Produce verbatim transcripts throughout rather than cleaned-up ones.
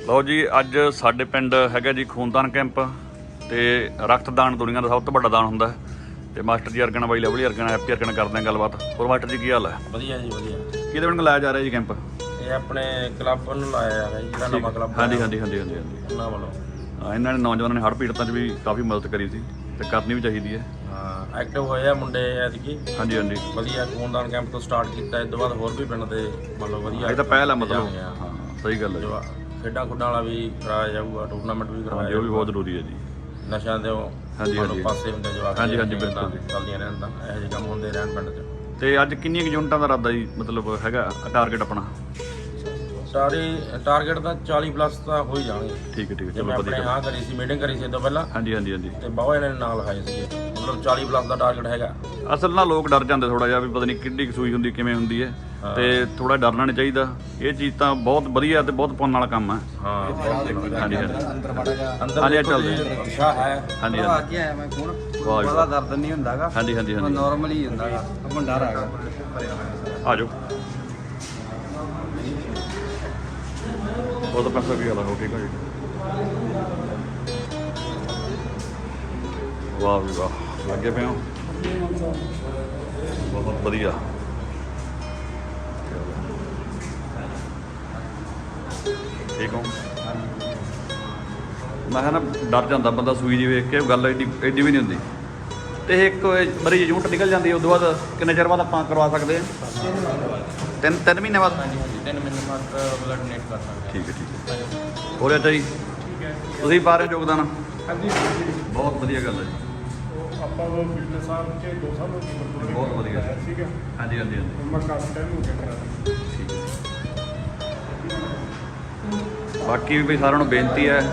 ਲਓ ਜੀ, ਅੱਜ ਸਾਡੇ ਪਿੰਡ ਹੈਗਾ ਜੀ ਖੂਨਦਾਨ ਕੈਂਪ ਤੇ ਰਕਤਦਾਨ ਦੁਨੀਆ ਦਾ ਸਭ ਤੋਂ ਵੱਡਾ ਦਾਨ ਹੁੰਦਾ ਤੇ ਮਾਸਟਰ ਜੀ ਅਰਗਨ ਬਾਈ ਲਵਲੀ ਅਰਗਨ ਹੈਪੀ ਅਰਗਨ ਕਰਦੇ ਆ ਗੱਲਬਾਤ। ਹੋਰ ਮਾਸਟਰ ਜੀ ਕੀ ਹਾਲ ਹੈ? ਵਧੀਆ ਜੀ ਵਧੀਆ। ਕਿਹਦੇ ਵੱਲੋਂ ਲਾਇਆ ਜਾ ਰਿਹਾ ਜੀ ਕੈਂਪ? ਇਹ ਆਪਣੇ ਕਲੱਬ ਨੂੰ ਲਾਇਆ ਜਾ ਰਿਹਾ ਜੀ, ਜਿਹੜਾ ਨਵਾਂ ਕਲੱਬ। ਹਾਂਜੀ ਹਾਂਜੀ ਹਾਂਜੀ ਹਾਂਜੀ ਹਾਂਜੀ ਉਹਨਾਂ ਵੱਲੋਂ ਹਾਂ, ਇਹਨਾਂ ਨੇ ਨੌਜਵਾਨਾਂ ਨੇ ਹੜ੍ਹ ਪੀੜਤਾਂ 'ਚ ਵੀ ਕਾਫੀ ਮਦਦ ਕਰੀ ਸੀ ਤੇ ਕਰਨੀ ਵੀ ਚਾਹੀਦੀ ਹੈ। ਹਾਂ, ਐਕਟਿਵ ਹੋਏ ਆ ਮੁੰਡੇ ਐਤਕੀ। ਹਾਂਜੀ ਹਾਂਜੀ ਵਧੀਆ ਖੂਨਦਾਨ ਕੈਂਪ ਤੋਂ ਸਟਾਰਟ ਕੀਤਾ, ਇਸ ਤੋਂ ਬਾਅਦ ਹੋਰ ਵੀ ਪਿੰਡ ਦੇ ਮਤਲਬ ਵਧੀਆ ਇਹ ਤਾਂ ਪਹਿਲ ਹੈ ਮਤਲਬ। ਹਾਂ ਸਹੀ ਗੱਲ ਹੈ। ਖੇਡਾਂ ਖੁੱਡਾਂ ਵਾਲਾ ਵੀ ਕਰਾਇਆ ਜਾਊਗਾ, ਟੂਰਨਾਮੈਂਟ ਵੀ ਕਰਵਾਇਆ ਉਹ ਵੀ ਬਹੁਤ ਜ਼ਰੂਰੀ ਹੈ ਜੀ। ਨਸ਼ਿਆਂ ਦੇ ਹਾਂਜੀ ਹਾਂਜੀ ਪਾਸੇ ਹੁੰਦੇ ਜਵਾਕ। ਹਾਂਜੀ ਹਾਂਜੀ ਬਿਲਕੁਲ ਜੀ। ਚੱਲਦੀਆਂ ਰਹਿਣ ਤਾਂ ਇਹੋ ਜਿਹੇ ਕੰਮ ਹੁੰਦੇ ਰਹਿਣ ਪਿੰਡ 'ਚ। ਤੇ ਅੱਜ ਕਿੰਨੀਆਂ ਕੁ ਯੂਨਿਟਾਂ ਦਾ ਇਰਾਦਾ ਜੀ ਮਤਲਬ ਹੈਗਾ ਟਾਰਗੇਟ ਆਪਣਾ? ਸਾਰੇ ਟਾਰਗੇਟ ਤਾਂ ਚਾਲੀ ਪਲੱਸ ਤਾਂ ਹੋ ਹੀ ਜਾਣਗੇ। ਠੀਕ ਹੈ ਠੀਕ ਹੈ ਜਿਵੇਂ ਚਲੋ ਆਪਣੇ ਵਧੀਆ। ਹਾਂ ਕਰੀ ਸੀ, ਮੀਟਿੰਗ ਕਰੀ ਸੀ ਇਹ ਤੋਂ ਪਹਿਲਾਂ। ਹਾਂਜੀ ਹਾਂਜੀ ਹਾਂਜੀ ਤੇ ਬਹੁਤ ਇਹਨਾਂ ਨੇ ਨਾਲ ਲਿਖਾਏ ਸੀਗੇ, ਮਤਲਬ ਚਾਲੀ ਪਲੱਸ ਦਾ ਟਾਰਗੇਟ ਹੈਗਾ। ਅਸਲ ਨਾਲ ਲੋਕ ਡਰ ਜਾਂਦੇ ਥੋੜਾ ਜਿਹਾ ਵੀ ਪਤਾ ਨਹੀਂ ਕਿੱਡੀ ਕੁ ਸੂਈ ਹੁੰਦੀ ਕਿਵੇਂ ਹੁੰਦੀ ਹੈ, ਤੇ ਥੋੜਾ ਡਰਨਾ ਨਹੀਂ ਚਾਹੀਦਾ। ਇਹ ਚੀਜ਼ ਤਾਂ ਬਹੁਤ ਵਧੀਆ ਤੇ ਬਹੁਤ ਪੁੰਨ ਵਾਲਾ ਕੰਮ ਹੈ। ਹਾਂ ਹਾਂਜੀ ਹਾਂਜੀ ਅੰਦਰ ਹਾਂਜੀ ਚੱਲਦੇ ਅੱਛਾ ਹੈ। ਹਾਂਜੀ ਆ ਹਾਂਜੀ ਕੇ ਆਇਆ ਮੈਂ ਖੂਨ ਵਾਹ ਜੀ ਬੜਾ ਦਰਦ ਨਹੀਂ ਹੁੰਦਾਗਾ। ਹਾਂਜੀ ਹਾਂਜੀ ਹਾਂਜੀ ਨਾਰਮਲ ਹੀ ਹੁੰਦਾਗਾ, ਆਪਾਂ ਡਰ ਹੈਗਾ। ਆ ਜਾਓ। ਬਹੁਤ ਪੈਸਾ ਵੀ ਆਲਾ ਹੋ ਠੀਕ ਹੈ ਜੀ। ਵਾਹ ਵੀ ਵਾਹ, ਲੱਗੇ ਪਏ ਹੋ ਬਹੁਤ ਵਧੀਆ। ਠੀਕ ਹੋ? ਮੈਂ ਕਿਹਾ ਨਾ ਡਰ ਜਾਂਦਾ ਬੰਦਾ ਸੂਈ ਜੀ ਵੇਖ ਕੇ, ਗੱਲ ਐਡੀ ਐਡੀ ਵੀ ਨਹੀਂ ਹੁੰਦੀ। ਤੇ ਇੱਕ ਵਾਰੀ ਯੂਨਿਟ ਨਿਕਲ ਜਾਂਦੀ ਹੈ ਉਸ ਤੋਂ ਬਾਅਦ ਕਿੰਨੇ ਚਿਰ ਬਾਅਦ ਆਪਾਂ ਕਰਵਾ ਸਕਦੇ ਹਾਂ? ਤਿੰਨ ਤਿੰਨ ਮਹੀਨੇ ਬਾਅਦ? ਹਾਂਜੀ ਹਾਂਜੀ ਤਿੰਨ ਮਹੀਨੇ ਬਾਅਦ ਬਲੱਡ ਡੋਨੇਟ ਕਰ ਸਕਦੇ। ਠੀਕ ਹੈ ਠੀਕ ਹੈ। ਹੋਰ ਅੱਛਾ ਜੀ, ਤੁਸੀਂ ਪਾ ਰਹੇ ਹੋ ਯੋਗਦਾਨ? ਹਾਂਜੀ ਬਹੁਤ ਵਧੀਆ ਗੱਲ ਹੈ ਜੀ। ਆਪਾਂ ਉਹ ਪਿਛਲੇ ਸਾਲ ਕੇ ਦੋ ਸਾਲ ਹੋ ਗਏ ਬਹੁਤ ਵਧੀਆ। ਠੀਕ ਹੈ। ਹਾਂਜੀ ਹਾਂਜੀ ਹਾਂਜੀ ਮੈਂ ਕਾਫੀ ਟਾਈਮ ਹੋ ਗਿਆ ਕਰਾ। ਠੀਕ ਹੈ। ਬਾਕੀ ਵੀ ਸਾਰਿਆਂ ਨੂੰ ਬੇਨਤੀ ਹੈ,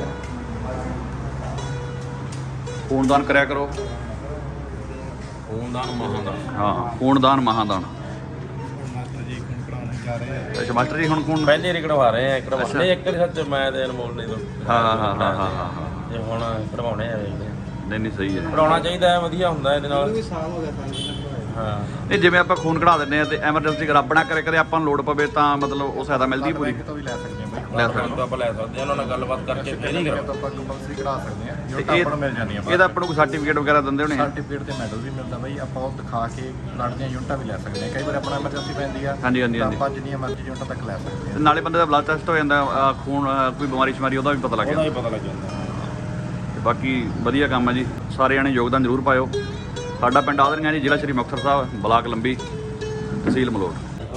ਖੂਨਦਾਨ ਕਰਿਆ ਕਰੋ। ਖੂਨਦਾਨ ਮਹਾਦਾਨ। ਹਾਂ ਖੂਨਦਾਨ ਮਹਾਦਾਨ। ਮਾਸਟਰ ਜੀ ਖੂਨ ਕਰਾਉਣ ਜਾ ਰਹੇ ਆ। ਅੱਛਾ ਮਾਸਟਰ ਜੀ ਹੁਣ ਖੂਨ? ਪਹਿਲੇ ਰੀ ਕਢਵਾ ਰਹੇ ਆ, ਕਢਵਾਉਣੇ ਇੱਕ ਵਾਰੀ ਸੱਚ ਮੈਂ ਤੇ ਅਨਮੋਲ ਨੇ ਤੋਂ। ਹਾਂ ਹਾਂ ਹਾਂ ਹਾਂ ਹਾਂ ਹਾਂ ਤੇ ਹੁਣ ਕਢਵਾਉਣੇ ਆ, ਵੇਖਦੇ ਆ। ਨਹੀਂ ਨਹੀਂ ਸਹੀ ਹੈ। ਕਢਾਉਣਾ ਚਾਹੀਦਾ ਹੈ, ਵਧੀਆ ਹੁੰਦਾ ਇਹਦੇ ਨਾਲ। ਸਾਲ ਹੋ ਗਿਆ ਤਾਂ ਹਾਂ ਨਹੀਂ ਜਿਵੇਂ ਆਪਾਂ ਖੂਨ ਕਢਾ ਦਿੰਦੇ ਆ ਤੇ ਐਮਰਜੈਂਸੀ ਰੱਬ ਨਾ ਕਰੇ ਕਰੇ ਆਪਾਂ ਨੂੰ ਲੋੜ ਪਵੇ ਤਾਂ ਮਤਲਬ ਉਹ ਸਹਾਇਤਾ ਮਿਲਦੀ ਪੂਰੀ? ਤੋਂ ਵੀ ਲੈ ਸਕਦੇ ਆ ਬਾਈ। ਲੈ ਖੂਨ ਤਾਂ ਆਪਾਂ ਲੈ ਸਕਦੇ ਹਾਂ, ਉਹਨਾਂ ਨਾਲ ਗੱਲਬਾਤ ਕਰਕੇ ਫੇਰ ਹੀ ਕਰੋ। ਤਾਂ ਆਪਾਂ ਕੰਪਲਸਰੀ ਕਢਾ ਸਕਦੇ ਆ, ਜੋ ਤੇ ਆਪਾਂ ਨੂੰ ਮਿਲ ਜਾਂਦੀਆਂ। ਇਹਦਾ ਆਪਾਂ ਨੂੰ ਕੋਈ ਸਰਟੀਫਿਕੇਟ ਵਗੈਰਾ ਦਿੰਦੇ ਹੋਣੇ? ਸਰਟੀਫਿਕੇਟ ਤੇ ਮੈਡਲ ਵੀ ਮਿਲਦਾ ਬਾਈ। ਆਪਾਂ ਉਹ ਦਿਖਾ ਕੇ ਬਲੱਡ ਦੀਆਂ ਯੂਨਿਟਾਂ ਵੀ ਲੈ ਸਕਦੇ ਆ। ਕਈ ਵਾਰ ਆਪਣਾ ਐਮਰਜੈਂਸੀ ਪੈਂਦੀ ਆ, ਹਾਂਜੀ ਹਾਂਜੀ ਤਾਂ ਹਾਂਜੀ। ਆਪਾਂ ਜਿੰਨੀਆਂ ਮਰਜ਼ੀ ਯੂਨਿਟਾਂ ਤੱਕ ਲੈ ਸਕਦੇ ਤੇ ਆ। ਨਾਲੇ ਬੰਦੇ ਦਾ ਬਲੱਡ ਟੈਸਟ ਹੋ ਜਾਂਦਾ, ਅਹ ਖੂਨ ਅਹ ਕੋਈ ਬਿਮਾਰੀ ਸ਼ਮਾਰੀ ਉਹਦਾ ਵੀ ਪਤਾ ਲੱਗ ਉਹਦਾ ਜਾਂਦਾ। ਹੀ ਪਤਾ ਲੱਗ ਜਾਂਦਾ। ਤੇ ਬਾਕੀ ਵਧੀਆ ਕੰਮ ਹੈ ਜੀ, ਸਾਰੇ ਜਾਣੇ ਯੋਗਦਾਨ ਜ਼ਰੂਰ ਪਾਇਓ। ਸਾਡਾ ਪਿੰਡ ਆਦਰੀਆਂ ਜੀ, ਜ਼ਿਲ੍ਹਾ ਸ਼੍ਰੀ ਮੁਕਤਸਰ ਸਾਹਿਬ, ਬਲਾਕ ਲੰਬੀ, ਤਹਿਸੀਲ ਮਲੋਟ।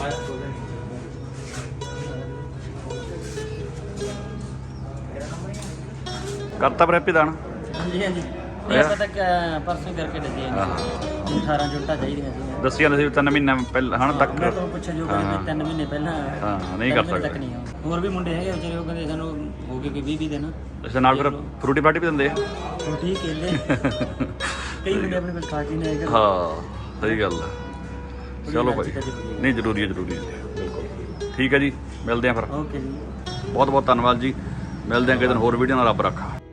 ਕਰਤਾ ਪਰ ਹੈਪੀ ਦਾਨ? ਹਾਂਜੀ ਹਾਂਜੀ ਇਹ ਆਪਾਂ ਤੱਕ ਪਰਸੋਂ ਕਰਕੇ ਦੱਸਿਆ ਜੀ। ਅਠਾਰਾਂ ਜੁੱਟਾਂ ਚਾਹੀਦੀਆਂ ਸੀ। ਦੱਸੀ ਜਾਂਦੇ ਸੀ ਤਿੰਨ ਮਹੀਨੇ ਪਹਿਲਾਂ ਹਣ ਤੱਕ। ਮੈਂ ਤੋਂ ਪੁੱਛਿਆ ਜੋ ਕਹਿੰਦੇ ਤਿੰਨ ਮਹੀਨੇ ਪਹਿਲਾਂ। ਹਾਂ ਨਹੀਂ ਕਰ ਤਿੰਨ ਮਹੀਨੇ ਤੱਕ ਸਕਦੇ। ਨਹੀਂ ਆ। ਹੋਰ ਵੀ ਮੁੰਡੇ ਹੈਗੇ ਵਿਚਾਰੇ, ਉਹ ਕਹਿੰਦੇ ਸਾਨੂੰ ਹੋ ਗਏ ਕਿ ਵੀਹ ਵੀਹ ਦਿਨ। ਇਸ ਨਾਲ ਫਿਰ ਫਰੂਟੀ ਪਾਰਟੀ ਵੀ ਦਿੰਦੇ ਆ? ਉਹ ਠੀਕ ਕਹਿੰਦੇ ਕਈ ਮੁੰਡੇ ਆਪਣੇ ਕੋਲ ਖਾ ਕੇ ਨਹੀਂ ਆਏਗਾ। ਹਾਂ ਸਹੀ ਗੱਲ ਹੈ। ਚਲੋ ਭਾਈ, ਨਹੀਂ ਜ਼ਰੂਰੀ ਹੈ ਜ਼ਰੂਰੀ ਹੈ ਬਿਲਕੁਲ। ਠੀਕ ਹੈ ਜੀ, ਮਿਲਦੇ ਆ ਫਿਰ। ਓਕੇ ਜੀ, ਬਹੁਤ ਬਹੁਤ ਧੰਨਵਾਦ ਜੀ। ਮਿਲਦੇ ਆ ਕਿਸੇ ਦਿਨ ਹੋਰ ਵੀਡੀਓ ਨਾਲ। ਰੱਬ ਰੱਖਾ।